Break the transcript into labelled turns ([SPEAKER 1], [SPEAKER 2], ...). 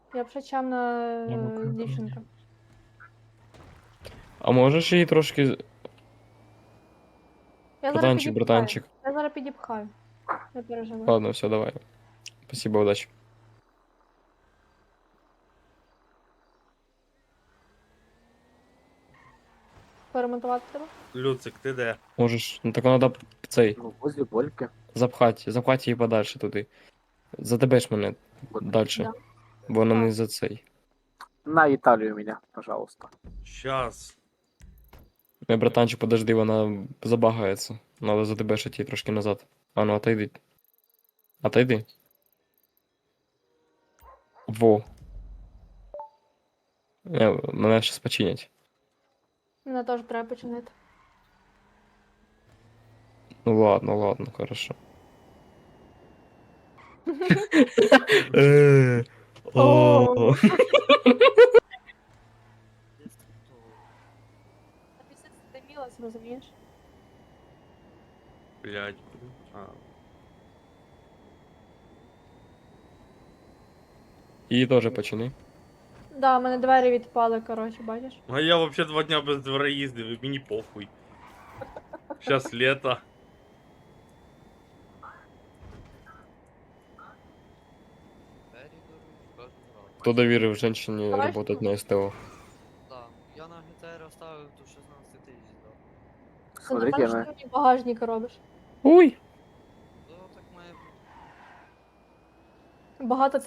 [SPEAKER 1] Я б ще чемна
[SPEAKER 2] Яблуко,
[SPEAKER 1] дівчинка.
[SPEAKER 2] А можеш її трошки.
[SPEAKER 1] Я зараз
[SPEAKER 2] Братанчик,
[SPEAKER 1] підіпхаю.
[SPEAKER 2] братанчик.
[SPEAKER 1] Я зараз підіпхаю. Не переживай.
[SPEAKER 2] Ладно, все, давай. Спасибо, удачи.
[SPEAKER 1] Поремонтувати тебе?
[SPEAKER 3] Люцик, ти де?
[SPEAKER 2] Можеш. Ну так надо цей.
[SPEAKER 4] Ну, возле Больки.
[SPEAKER 2] Запхати її подальше туди. Задебеш мене
[SPEAKER 4] Вот.
[SPEAKER 2] далі.
[SPEAKER 1] Да.
[SPEAKER 2] Бо вона
[SPEAKER 1] Так.
[SPEAKER 2] не за цей.
[SPEAKER 4] На Италию меня, пожалуйста.
[SPEAKER 3] Щас.
[SPEAKER 2] Не, братанчик, подожди, вона забагається. Надо задебешити її трошки назад. А ну, отойди. Отойди. Во. Мене щас починять.
[SPEAKER 1] Мене теж треба починити.
[SPEAKER 2] Ну ладно, хорошо.
[SPEAKER 1] О. А ти все стемілась, розумієш?
[SPEAKER 3] Блядь. А.
[SPEAKER 2] Її теж почини.
[SPEAKER 1] Да, в мене двері відпали, коротше, бачиш?
[SPEAKER 3] А я вообще 2 дня без двора їздив, і мені похуй. Щас лето.
[SPEAKER 2] Хто довірив жінці
[SPEAKER 1] Давай,
[SPEAKER 2] працювати на СТО?
[SPEAKER 5] Да. Я на ГТР оставив до 16 тисяч, да.
[SPEAKER 1] Ти
[SPEAKER 4] Смотрите,
[SPEAKER 1] напевно,
[SPEAKER 4] она...
[SPEAKER 1] що мені багажник робиш.
[SPEAKER 2] Ой!
[SPEAKER 5] Да, так має бути.
[SPEAKER 1] Багато